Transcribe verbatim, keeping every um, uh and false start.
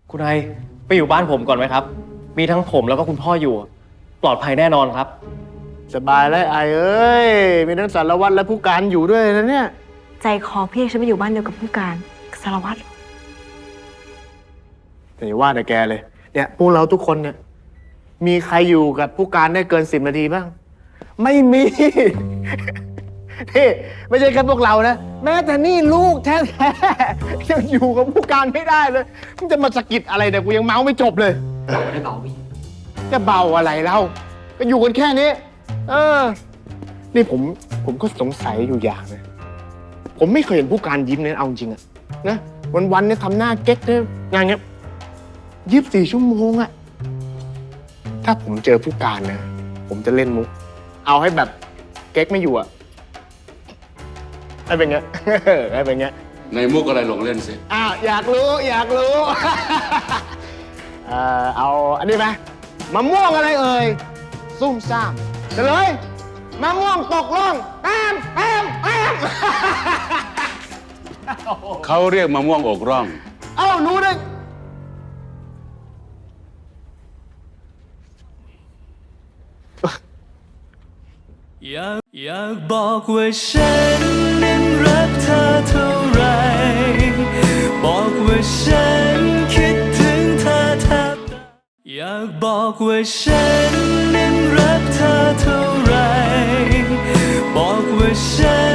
คุณไอไปอยู่บ้านผมก่อนไหมครับมีทั้งผมแล้วก็คุณพ่ออยู่ปลอดภัยแน่นอนครับสบายแล้วไอเอ้ยมีทั้งสารวัตรและผู้การอยู่ด้วยนะเนี่ยใจคอพี่ฉันไปอยู่บ้านเดียวกับผู้การสารวัตรแต่อย่าว่าแต่แกเลยเนี่ยพวกเราทุกคนเนี่ยมีใครอยู่กับผู้การได้เกินสิบนาทีบ้างไม่มีนี่ไม่ใช่แค่พวกเรานะแม้แต่นี่ลูกแท้ๆยังอยู่กับผู้การไม่ได้เลยมึงจะมาสะกิดอะไรเนี่ยกูยังเมาไม่จบเลยไม่เบาพี่จะเบาอะไรเล่าก็อยู่กันแค่นี้เออนี่ผมผมก็สงสัยอยู่อย่างนะผมไม่เคยเห็นผู้การยิ้มเนี่ยเอาจริงอะนะวันๆเนี่ยทำหน้าเก๊กเนี่ยงานเงี้ยยี่สิบสี่ชั่วโมงอะถ้าผมเจอผู้การนะผมจะเล่นมุกเอาให้แบบเก๊กไม่อยู่อะให้เป็นไงให้เป็นไงในมุกอะไรลงเล่นสิอ้าวอยากรู้อยากรู้ เอ่อเอาอันนี้ไหมมะม่วงอะไรเอ่ยซุ่มซ่ามเฉลยมะม่วงตกล่องแอมแอมแอมเขาเรียกมะม่วงอกร่องเอ้ารู้ได้อยากอยากบอกว่าฉันนั้นรักเธอเท่าไรบอกว่าฉันคิดถึงเธอแทบตายอยากบอกว่าฉันนั้นรักเธอเท่าไรบอกว่าฉัน